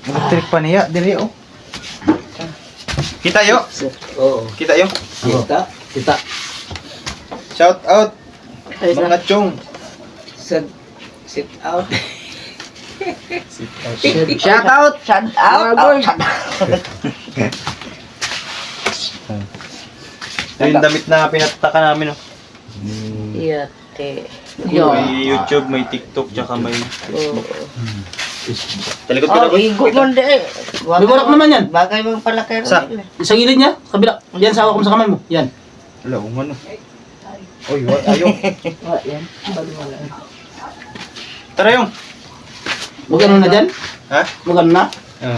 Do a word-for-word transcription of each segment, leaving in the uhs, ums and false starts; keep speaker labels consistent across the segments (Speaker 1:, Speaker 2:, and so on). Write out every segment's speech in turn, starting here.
Speaker 1: Electric pa niya, dili oh. Kita yo.
Speaker 2: Oo.
Speaker 1: Kita yo.
Speaker 2: Kita. Kita.
Speaker 1: Shout out
Speaker 3: Ay, sa-
Speaker 1: mga chong.
Speaker 2: Sit, sit out.
Speaker 1: Sit out.
Speaker 3: Shout out! Shout out!
Speaker 2: Mga boy.
Speaker 3: Shout out!
Speaker 1: Ito yung damit na pinataka namin oh.
Speaker 3: Iya, te.
Speaker 1: May YouTube, may TikTok, tsaka may
Speaker 3: Oh,
Speaker 1: talikod ko
Speaker 3: oh
Speaker 1: na ko.
Speaker 3: igo mo de.
Speaker 2: May bulak naman yan.
Speaker 3: Bagay mong palaki.
Speaker 1: Sa?
Speaker 2: Sa gilid niya, kabila. Yan, sa hawak mo sa kamay mo. Yan.
Speaker 1: Wala, umano. Oy, what? Ayaw.
Speaker 3: Oh, yan. Wala.
Speaker 1: Tara yung.
Speaker 2: Huwag ano na dyan.
Speaker 1: Ha?
Speaker 2: Huwag ano na.
Speaker 1: Ah.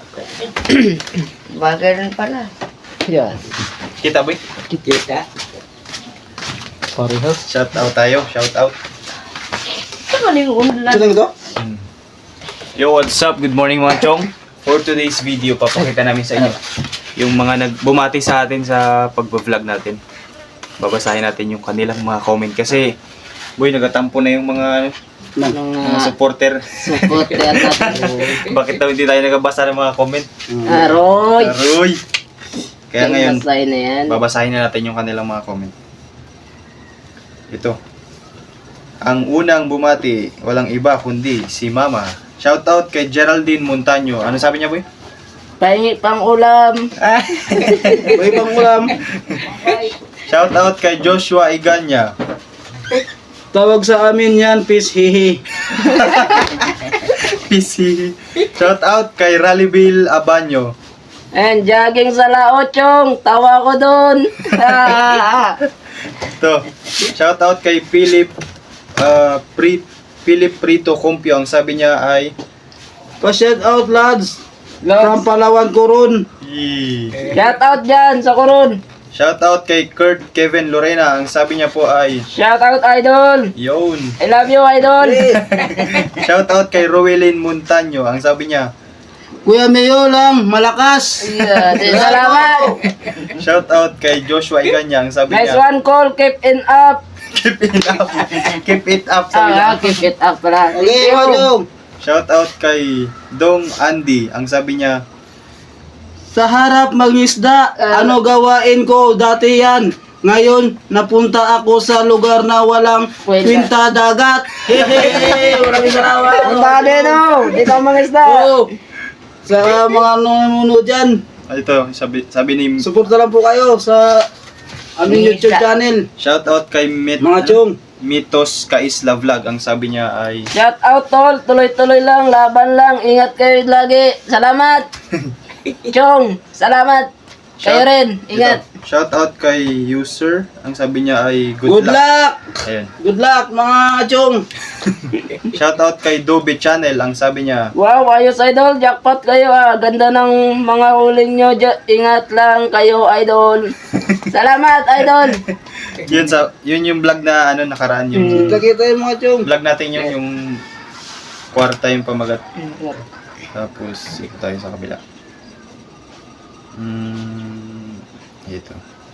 Speaker 3: Bagay rin pala.
Speaker 2: Yan.
Speaker 1: Kita boy.
Speaker 2: Kita. Parehas.
Speaker 1: Shout out tayo. Shout out.
Speaker 3: Ito man yung unlan.
Speaker 2: Sino ito?
Speaker 1: Yo, what's up? Good morning mga chong. For today's video, papakita namin sa inyo yung mga nagbumati sa atin sa pagbablog natin. Babasahin natin yung kanilang mga comment kasi boy, nagatampo na yung mga
Speaker 3: Nung
Speaker 1: mga supporter.
Speaker 3: support yan natin.
Speaker 1: Bakit daw hindi tayo nagabasa ng mga comment?
Speaker 3: Aroy!
Speaker 1: Aroy! Kaya ngayon,
Speaker 3: Basahin na yan.
Speaker 1: babasahin na natin yung kanilang mga comment. Ito. Ang unang bumati, walang iba kundi si Mama. Shout out kay Geraldine Montaño. Ano sabi niya, boy?
Speaker 3: Pahingi pang ulam.
Speaker 2: May pang ulam.
Speaker 1: Shout out kay Joshua Iganya.
Speaker 2: Tawag sa amin yan, peace hihi.
Speaker 1: P C. Shout out kay Rallybill Abanyo.
Speaker 3: And jogging sa laochong. Tawa ko dun.
Speaker 1: Ito. Shout out kay Philip uh, Pri Philip Prito Compio. Ang sabi niya ay
Speaker 2: Pa-shout out lads. From Palawan Coron.
Speaker 1: Yee.
Speaker 3: Shout out dyan sa Coron.
Speaker 1: Shout out kay Kurt Kevin Lorena. Ang sabi niya po ay
Speaker 3: Shout out idol.
Speaker 1: Yun.
Speaker 3: I love you idol.
Speaker 1: Shout out kay Rowelyn Montaño. Ang sabi niya
Speaker 2: Kuya Mayo lang, malakas.
Speaker 3: Yeah, salamat.
Speaker 1: shout out kay Joshua Iganya. Ang sabi
Speaker 3: Nice
Speaker 1: niya
Speaker 3: one call. Keep it up.
Speaker 1: keep it up. Keep it up. Sabi niya.
Speaker 3: Ah, keep it up pala.
Speaker 2: Okay, Madong.
Speaker 1: Shout out kay Dong Andy. Ang sabi niya
Speaker 2: Sa harap mangisda, ano gawain ko? Dati yan. Ngayon, napunta ako sa lugar na walang
Speaker 3: Kwenta.
Speaker 2: kwinta dagat. Hehehe, maraming salamat.
Speaker 3: Punta din oh. Dito ang mga isda.
Speaker 2: Oo. Sa mga nanonood dyan,
Speaker 1: ah, ito, sabi, sabi ni
Speaker 2: suporta lang po kayo sa aming YouTube channel.
Speaker 1: shout out kay Mit,
Speaker 2: Mga chong.
Speaker 1: Mitos Kaisla Vlog. Ang sabi niya ay
Speaker 3: Shout out tol. Tuloy-tuloy lang. Laban lang. Ingat kayo lagi. Salamat. Chong. Salamat. Kayo
Speaker 1: Shout-
Speaker 3: rin. Ingat.
Speaker 1: Ito, shout out kay user. Ang sabi niya ay good,
Speaker 2: Good luck.
Speaker 1: Ayun.
Speaker 2: Good luck mga chong.
Speaker 1: Shout out kay Dobe Channel. Ang sabi niya
Speaker 3: Wow, ayos idol. Jackpot kayo ah. Ganda ng mga huling nyo. Ja- Ingat lang kayo idol. Salamat idol.
Speaker 1: yun sa yun yung vlog na ano nakaraan yung
Speaker 2: Kita-kita yung mga chong.
Speaker 1: vlog natin yung yung kwarta yung pamagat. Tapos ikot tayo sa kabila. Hmm, ito.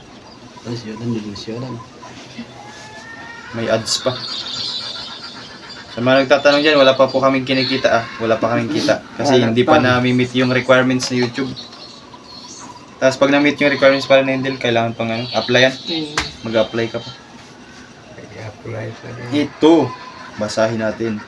Speaker 1: May ads pa. Sa mga nagtatanong dyan, wala pa po kaming kinikita ah. Wala pa kaming kita. Kasi hindi pa na-meet yung requirements ni YouTube. Tapos pag na-meet yung requirements para na Endel, kailangan pang ano, applyan. Mag-apply ka pa. Ito. Basahin natin.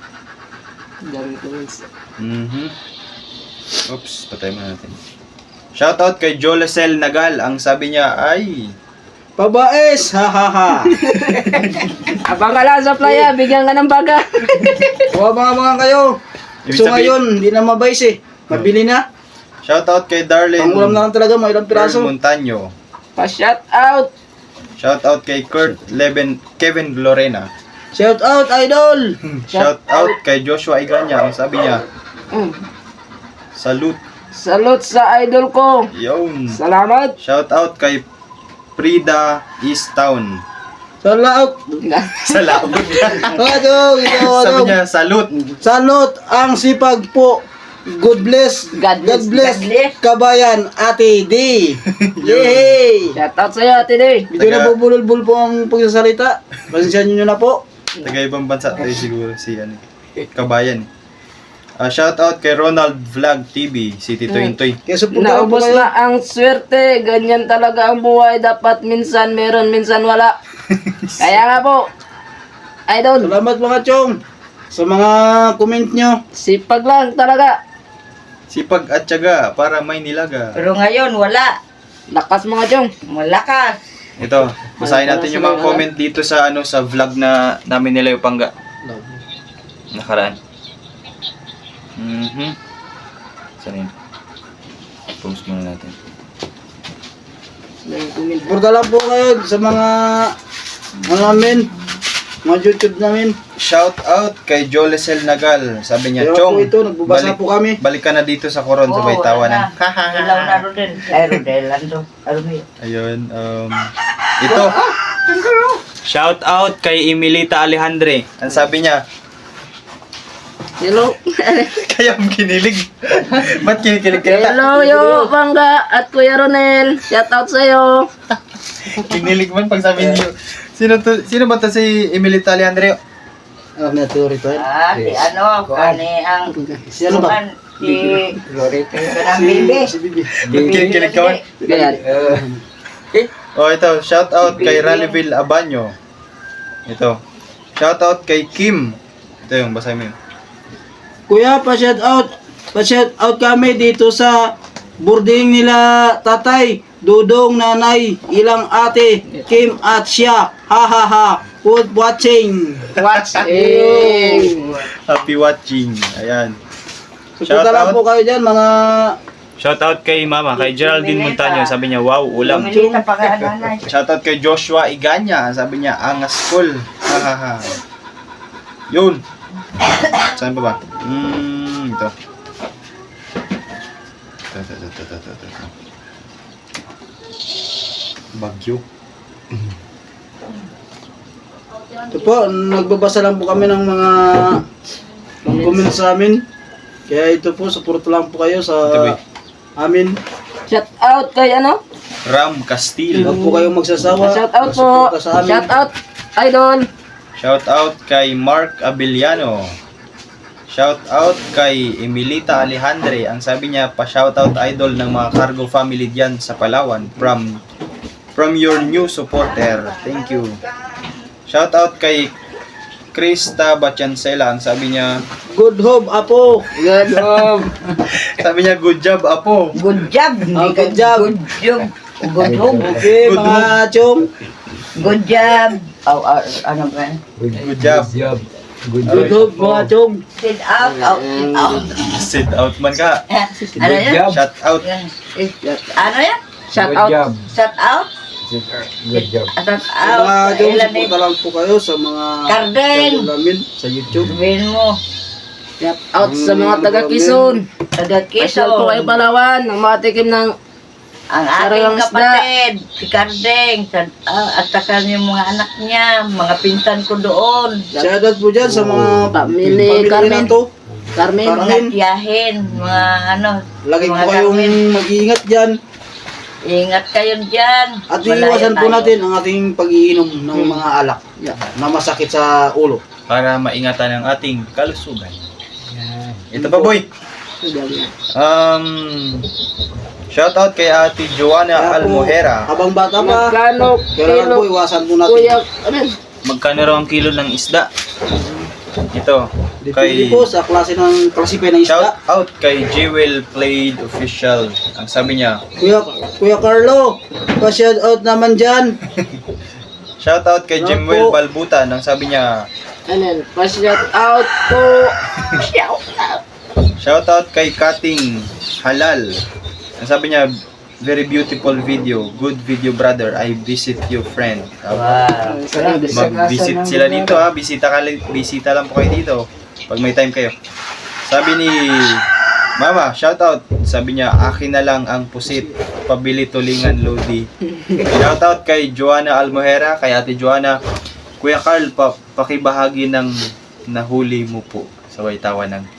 Speaker 1: Mhm. Oops, patay mo natin. Shoutout kay Jolesel Nagal. Ang sabi niya ay
Speaker 2: Pabaes, ha ha ha.
Speaker 3: Abang ka lang sa playa. Bigyan ka ng baga.
Speaker 2: Huwag mga mga kayo.
Speaker 1: Ibig
Speaker 2: So
Speaker 1: sabihin-
Speaker 2: ngayon, hindi na mabais eh. Mabili na.
Speaker 1: Shoutout kay Darlene
Speaker 2: Pangulam na lang talaga, mga ilang piraso.
Speaker 1: Montaño.
Speaker 3: Pa-shout out.
Speaker 1: Shoutout kay Kurt Leven Kevin Lorena.
Speaker 2: Shout out, idol.
Speaker 1: Shoutout kay Joshua Iganya. Ang sabi niya,
Speaker 3: Mm.
Speaker 1: salute.
Speaker 3: Salute sa idol ko.
Speaker 1: Yun.
Speaker 3: Salamat.
Speaker 1: Shoutout kay Frida East Town.
Speaker 2: Salaot.
Speaker 1: Sa laot.
Speaker 2: Adong, ito,
Speaker 1: Sabi
Speaker 2: adong.
Speaker 1: niya, salute.
Speaker 2: Salot ang sipag po. God bless.
Speaker 3: God bless.
Speaker 2: God bless.
Speaker 3: God bless.
Speaker 2: Kabayan, Ate D. Yay!
Speaker 3: Shout out sa'yo, Ate Day.
Speaker 2: Medyo
Speaker 1: Taga-
Speaker 2: nabubulol-bul po ang pagsasalita. Pasensyahan nyo na po.
Speaker 1: Taga ibang bansa tayo siguro si ano, Kabayan. Ah, shout out kay Ronald Vlog T V, City Toy Toy.
Speaker 2: Kaya suportahan po
Speaker 3: Naubos
Speaker 2: kayo.
Speaker 3: na ang swerte. Ganyan talaga ang buhay. Dapat minsan meron, minsan wala. Kaya nga po, idol,
Speaker 2: Salamat mga chong sa mga comment nyo.
Speaker 3: sipag lang talaga.
Speaker 1: Sipag at tiyaga para may nilaga.
Speaker 4: Pero ngayon, wala.
Speaker 3: Lakas mga chong.
Speaker 4: Malakas.
Speaker 1: Ito, basahin natin yung mga comment dito sa ano sa vlog na namin nila yung pangga. Nakaraan. Mhm. Saan yun? Post muna natin.
Speaker 2: Suporta lang po kayo sa mga ano namin, mga YouTube namin.
Speaker 1: Shout out kay Jolecel Nagal. Sabi niya,
Speaker 2: Kaya
Speaker 1: Chong,
Speaker 2: po ito, nagbabasa po kami.
Speaker 1: balik ka na dito sa Coron sa
Speaker 4: Oo,
Speaker 1: Baytawanan.
Speaker 4: wala na. Ilaw na Rodel. Ay, Rodel. Ando. Alumi.
Speaker 1: Ayun, um, ito. Shout out kay Emilita Alejandre. Ang sabi niya,
Speaker 3: Hello.
Speaker 1: kaya ang kinilig. Ba't kinikilig ka na?
Speaker 3: Hello, yo, Bangga at Kuya Ronel. Shout out sa'yo.
Speaker 1: Kinilig man pag sabi niyo. Sino to, sino ba to si Emilita Alejandre?
Speaker 2: Ano na ito rito?
Speaker 4: Ah, si ano, kani ang
Speaker 2: Si ano ba?
Speaker 4: kuman, si Loretta ng baby.
Speaker 2: Si Bibi.
Speaker 1: Kinikilig ka man?
Speaker 3: Ganyan.
Speaker 1: Oh, ito, shout out kay Rallyville Abanyo. Ito. Shout out kay Kim. Ito yung basahin mo yun.
Speaker 2: Kuya, pa-shout out. Pa-shout out kami dito sa boarding nila tatay, dudong, nanay, ilang ate, Kim at siya. Ha ha ha. Good watching.
Speaker 3: Watching.
Speaker 1: Happy watching. Ayan.
Speaker 2: Suporta lang
Speaker 1: out.
Speaker 2: po kayo dyan, mga
Speaker 1: Shout out kay Mama, kay Geraldine Montaño. Sabi niya, wow, ulam.
Speaker 4: Milita pa ka nanay.
Speaker 1: Shout out kay Joshua Iganya. Sabi niya, angas cool. Ha ha ha. Yun. Saan pa ba? Hmm, ito. Ito, ito, ito, ito, ito, ito, ito. Bagyo.
Speaker 2: ito po, nagbabasa lang po kami ng mga comments sa amin. Kaya ito po, suporta lang po kayo sa
Speaker 1: Ito, boy.
Speaker 2: amin.
Speaker 3: Shout out kay ano?
Speaker 1: Ram Castillo.
Speaker 2: Huwag po kayong magsasawa.
Speaker 3: Shout out po.
Speaker 2: Suporta sa amin.
Speaker 3: Shout out, idol.
Speaker 1: Shout out kay Mark Abiliano. Shout out kay Emilita Alejandre. Ang sabi niya, pa-shout out idol ng mga cargo family diyan sa Palawan from from your new supporter. Thank you. Shout out kay Krista Bachancela. Ang sabi niya,
Speaker 2: Good hope, Apo.
Speaker 3: Good job.
Speaker 1: sabi niya, good job, Apo.
Speaker 4: Good job.
Speaker 2: Ah, good job.
Speaker 4: Good job. Good job.
Speaker 2: Okay,
Speaker 1: Good
Speaker 2: mga chong.
Speaker 4: Good job. Oh, ah, ano ba?
Speaker 1: Good job.
Speaker 2: Good hope, mga chong.
Speaker 4: Sit out. Out. Sit out.
Speaker 1: Sit out man ka.
Speaker 4: Ano yan?
Speaker 1: Shout out.
Speaker 4: Ano yan?
Speaker 3: Shout out.
Speaker 4: Shut out?
Speaker 5: Good job.
Speaker 4: Shut
Speaker 2: Mga
Speaker 4: out.
Speaker 2: chong,
Speaker 4: Ilan
Speaker 2: suporta lang po kayo sa mga
Speaker 4: Kardeng.
Speaker 2: channel namin sa YouTube.
Speaker 4: Sabihin mo.
Speaker 3: Shout out sa mga taga Quezon.
Speaker 4: Taga
Speaker 3: Pasyal po kayo
Speaker 4: Quezon.
Speaker 3: Palawan. Ang matikim ng
Speaker 4: Ang
Speaker 3: Sariwang
Speaker 4: aking
Speaker 3: isda.
Speaker 4: kapatid, si Kardeng, sa, ah, at saka yung mga anak niya, mga pinsan ko doon,
Speaker 2: Shoutout po dyan sa mga
Speaker 3: Pamili
Speaker 2: pamilya
Speaker 3: Carmen.
Speaker 2: na to.
Speaker 3: Carmen.
Speaker 2: Carmen.
Speaker 4: mga tiyahin, mga ano,
Speaker 2: Lagi po
Speaker 4: mga
Speaker 2: kayong
Speaker 4: Carmen.
Speaker 2: mag-iingat dyan.
Speaker 4: Ingat kayo dyan.
Speaker 2: At
Speaker 4: Malayo
Speaker 2: iiwasan po
Speaker 4: tayo.
Speaker 2: natin ang ating pag-iinom ng mga alak na masakit sa ulo.
Speaker 1: Para maingatan ang ating kalusugan. Ito pa, boy. Um, shout out kay Ate Joanna
Speaker 2: Kaya po,
Speaker 1: Almohera.
Speaker 2: habang bata pa,
Speaker 3: Magkano
Speaker 2: kailangan po
Speaker 3: kilo?
Speaker 2: iwasan po natin.
Speaker 3: Kuya, ano yun?
Speaker 1: Magkano raw ang kilo ng isda? Ito.
Speaker 2: Depende
Speaker 1: Kay
Speaker 2: po sa klase ng klasipe ng
Speaker 1: shout
Speaker 2: isda.
Speaker 1: out kay Jewel Played Official. Ang sabi niya,
Speaker 2: Kuya, Kuya Carlo, pa-shout out naman dyan.
Speaker 1: shout out kay
Speaker 2: Shout
Speaker 1: Jimwell
Speaker 2: po.
Speaker 1: Balbutan. Ang sabi niya,
Speaker 3: Ano yun? Pa-shout out po. Shout out.
Speaker 1: shout out kay Kating Halal. Ang sabi niya, very beautiful video. Good video, brother. I visit you, friend.
Speaker 4: Wow.
Speaker 1: Mag-visit sila dito ha. Bisita, ka, bisita lang po kayo dito. Pag may time kayo. Sabi ni Mama, shout out. Sabi niya, akin na lang ang pusit. Pabili tulingan, Lodi. Shout out kay Joanna Almohera, kay Ate Joanna. Kuya Carl, pa pakibahagi ng nahuli mo po sa Waitawan ng.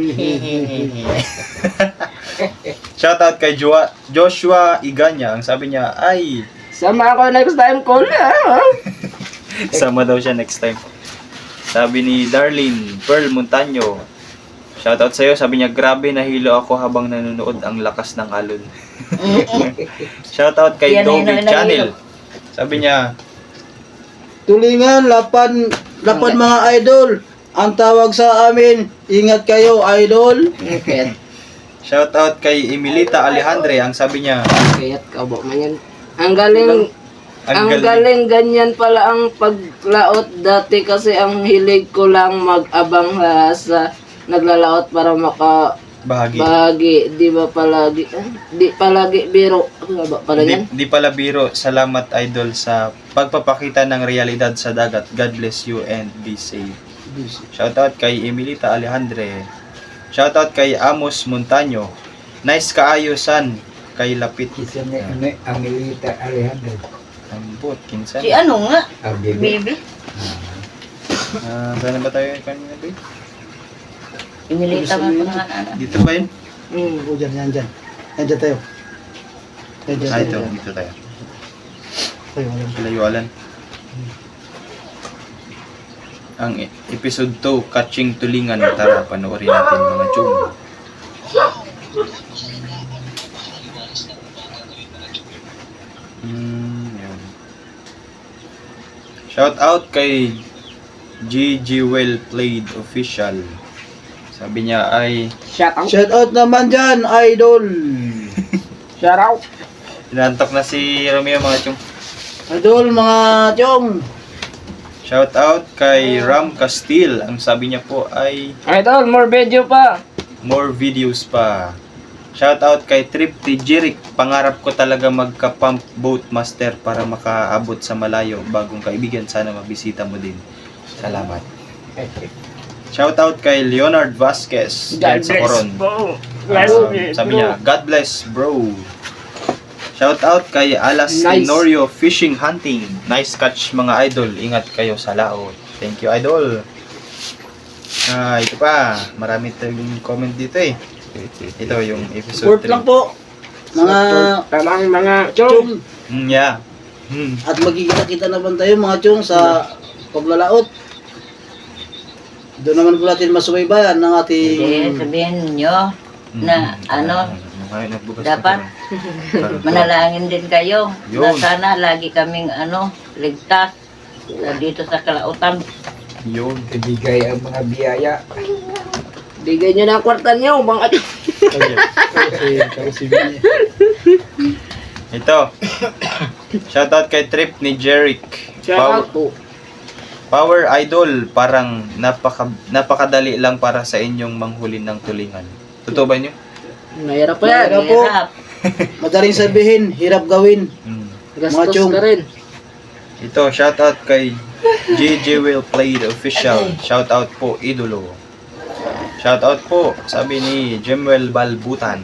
Speaker 1: Shout out kay Joa, Joshua Iganya. Ang sabi niya, ay,
Speaker 3: Sama ako next time ko na.
Speaker 1: sama daw siya next time. Sabi ni Darlene Pearl Montaño, Shoutout sa'yo, sabi niya, grabe nahilo ako habang nanonood ang lakas ng alon. Shoutout kay
Speaker 4: Yan,
Speaker 1: Dobby
Speaker 4: yan, yan,
Speaker 1: Channel. Sabi niya,
Speaker 2: Tulingan, lapan, lapan mga idol. Ang tawag sa amin, ingat kayo idol.
Speaker 3: Ngipet.
Speaker 1: shoutout kay Emilita Alejandre. Ang sabi niya,
Speaker 3: Kayat ka ba man yan? Ang galing,
Speaker 1: ang
Speaker 3: ang
Speaker 1: galing.
Speaker 3: galing ganyan pala ang paglaot dati kasi ang hilig ko lang mag-abang ha, sa naglalaot para maka
Speaker 1: bahagi.
Speaker 3: bahagi, di ba palagi, eh, di palagi biro, ano ba pala
Speaker 1: Di,
Speaker 3: yan?
Speaker 1: di pala biro. Salamat idol sa pagpapakita ng realidad sa dagat. God bless you and be safe. Shoutout kay Emilita Alejandre. Shoutout kay Amos Montaño. Nice kaayosan kay Lapit.
Speaker 5: Isa ni ano, Amelita Alejandro.
Speaker 1: Ambot, kinsan.
Speaker 4: Si ano nga,
Speaker 5: Ah, baby.
Speaker 4: baby.
Speaker 1: Ah, saan na ba tayo kanina, babe?
Speaker 4: Inilita mo pa nga na.
Speaker 1: Dito ba yun?
Speaker 3: Mm.
Speaker 2: O, dyan, yan, dyan. Yan, dyan tayo. Yan, dyan
Speaker 1: Ah,
Speaker 2: tayo.
Speaker 1: ito.
Speaker 2: Dyan.
Speaker 1: Dito tayo.
Speaker 2: Tayo, alam.
Speaker 1: Kalayualan. Ang e- episode two, Catching Tulingan. Tara, panoorin natin mga chum. Hmm, yan. Shout out kay G G Well Played Official. Sabi niya ay
Speaker 3: Shout out.
Speaker 2: Shout out naman dyan, idol.
Speaker 3: Shout out.
Speaker 1: inantok na si Romeo mga chum.
Speaker 2: Idol, mga chong.
Speaker 1: Shout out kay Ram Castil. Ang sabi niya po ay
Speaker 3: Idol, more video pa.
Speaker 1: more videos pa. Shout out kay Trip T. Jirik. Pangarap ko talaga magka-pump boat master para makaabot sa malayo. Bagong kaibigan, sana mabisita mo din. Salamat. Shout out kay Leonard Vasquez.
Speaker 3: God
Speaker 1: dyan sa
Speaker 3: bless,
Speaker 1: Coron.
Speaker 3: bro.
Speaker 1: Um, sabi niya, God bless, bro. Shout out kay Alas
Speaker 3: Nice.
Speaker 1: Tenorio Fishing Hunting. Nice catch mga idol. Ingat kayo sa laot. Thank you, idol. Ah, ito pa. Marami tayong comment dito eh. Ito yung episode
Speaker 2: Support
Speaker 1: three.
Speaker 2: lang po. Mga
Speaker 3: Talang mga chong.
Speaker 2: chong.
Speaker 1: Mm, yeah. Hmm.
Speaker 2: At magkikita-kita naman tayo mga chong sa paglalaot. Doon naman po natin masubaybayan ng ating...
Speaker 4: Hindi, sabihin nyo na ano,
Speaker 1: Ay, nagbukas
Speaker 4: dapat
Speaker 1: pa pala.
Speaker 4: manalangin din kayo na
Speaker 1: Yun.
Speaker 4: sana lagi kaming ano, ligtas na dito sa kalautan.
Speaker 1: Yun.
Speaker 5: Ibigay ang mga biyaya.
Speaker 3: Bigay nyo na ang kwarta nyo, mga
Speaker 1: Ito. Shoutout kay Trip ni Jeric.
Speaker 3: Shout out po.
Speaker 1: Power Idol, parang napaka, napakadali lang para sa inyong manghuli ng tulingan. Totoo ba niyo?
Speaker 3: Mahirap pa yan.
Speaker 2: Mahirap po.
Speaker 4: Hirap.
Speaker 2: Madaling sabihin, hirap gawin.
Speaker 1: Hmm.
Speaker 3: Gastos
Speaker 2: Machong.
Speaker 3: ka rin.
Speaker 1: Ito, shoutout kay J J Will Played Official. Shoutout po, idolo. Shoutout po, sabi ni Jemuel Balbutan.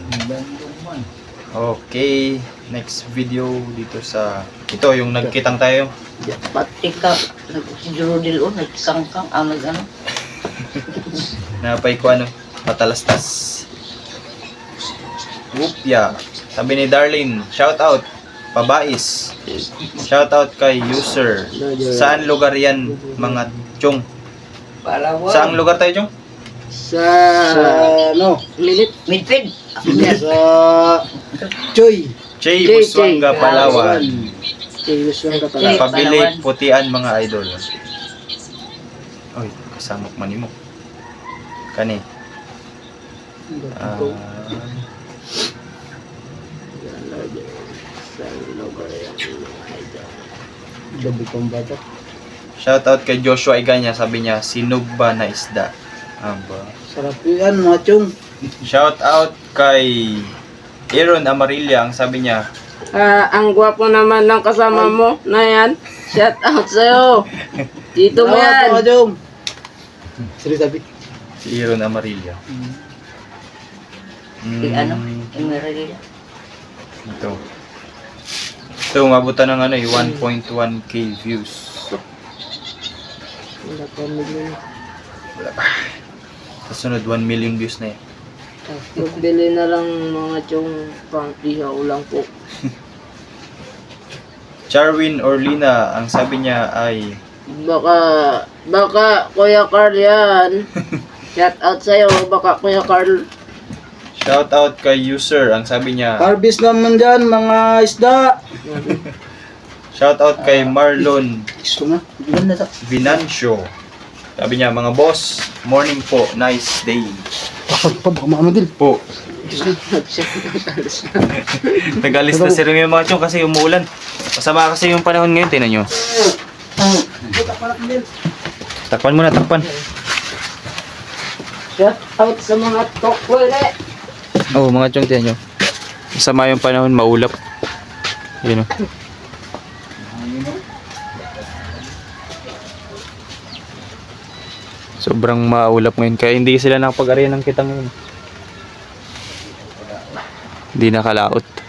Speaker 1: Okay, next video dito sa... Ito, yung nagkitang tayo.
Speaker 4: Pati ka, si Jurudil o, nagkangkang, ah, nag ano.
Speaker 1: Napay ko ano, matalastas. Whoopya. Sabi ni Darlene, shoutout, pabais. Shoutout kay user. Saan lugar yan, mga chong?
Speaker 3: Palawan.
Speaker 1: Saang lugar tayo, chong?
Speaker 3: Sa...
Speaker 2: Sa ano,
Speaker 3: Minute.
Speaker 4: Midfid.
Speaker 2: sa Choy.
Speaker 1: Chay,
Speaker 3: Chay,
Speaker 1: Busuanga,
Speaker 3: Chay.
Speaker 1: Palawan.
Speaker 3: Serious lang ka
Speaker 4: Chay.
Speaker 3: pala.
Speaker 1: Pabili,
Speaker 4: Palawan.
Speaker 1: putian, mga idol. Oy, kasamok man mo. Kani. Ah,
Speaker 2: Gabi kong bata.
Speaker 1: shoutout kay Joshua Iganya, sabi niya, sinugba na isda. Aba.
Speaker 2: Sarap yan mga chong.
Speaker 1: Shoutout kay Aaron Amarilla, ang sabi niya,
Speaker 3: Ah, ang gwapo naman ng kasama mo na yan. Shout out sa'yo. Dito mo
Speaker 2: Salamat,
Speaker 3: yan.
Speaker 2: mga chong. Sili sabi.
Speaker 1: si Aaron Amarilla.
Speaker 4: Si
Speaker 1: Mm,
Speaker 4: ano, Emerald.
Speaker 1: Ito. Ito, mabutan ng ano eh, one point one K views.
Speaker 3: Wala pa million.
Speaker 1: Wala pa. Sa sunod, one million views na eh.
Speaker 3: Magbili na lang mga chong pang ihaw lang po.
Speaker 1: Charwin Orlina, ang sabi niya ay,
Speaker 3: Baka, baka Kuya Carl yan. Shout out sa'yo, baka Kuya Carl.
Speaker 1: Shout out kay user. Ang sabi niya,
Speaker 2: Harvest naman dyan, mga isda.
Speaker 1: shout out kay Marlon
Speaker 2: Gusto nga. Ganda sa...
Speaker 1: Vinancio. Sabi niya, mga boss, morning po, nice day.
Speaker 2: Bakit pa, baka mamadil.
Speaker 1: Po. Nag-alis na sila yung mga chong kasi umuulan. Masama kasi yung panahon ngayon, tinan nyo. Takpan mo na, takpan.
Speaker 3: Shout out sa mga tokwere.
Speaker 1: Oo, oh, mga chong, tinan nyo. Masama yung panahon, maulap. Yun o. Sobrang maulap ngayon, kaya hindi sila nakapag-arian ng kita ngayon. Hindi nakalaot.